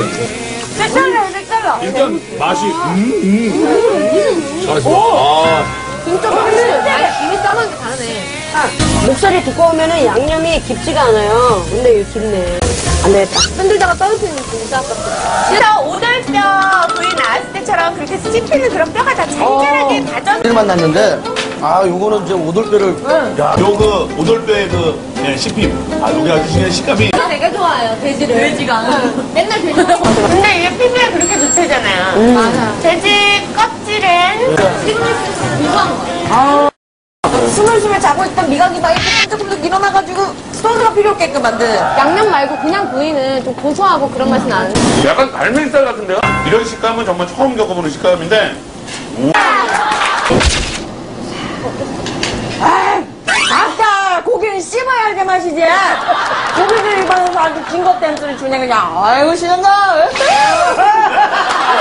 색달라요, 색달라. 일단 맛이 맛있어. 진짜 맛있어. 아니, 김이 싸먹은 게 다르네. 목살이 두꺼우면 양념이 깊지가 않아요. 근데 이거 깊네. 안 되겠다. 흔들다가 떨어뜨리는 진짜 아깝다. 진짜 오돌뼈 부위 나왔을 때처럼 그렇게 씹히는 그런 뼈가 다 잘잘하게 다져. 를 만났는데 요거는 이제 오돌뼈를 요그 오돌뼈의 그 씹힘. 여기 아주 그냥 식감이. 되게 좋아해요, 돼지를. 돼지가. 맨날 돼지 먹어. 근데 이게 피부에 그렇게 좋대잖아요. 맞아. 돼지 껍질은 이상한 거. 스물스물 자고 있던 미각이 막 이렇게 조금 일어나가지고 소스가 필요 없게끔 만든. 양념 말고 그냥 부위는 좀 고소하고 그런 맛이 나는데. 약간 갈매기살 같은데요? 이런 식감은 정말 처음 겪어보는 식감인데. 아까 고기는 씹어야 할 게 맛이지. 고기를 입안에서 아주 징겁다는 소리 주네 그냥. 아이고 싫은가.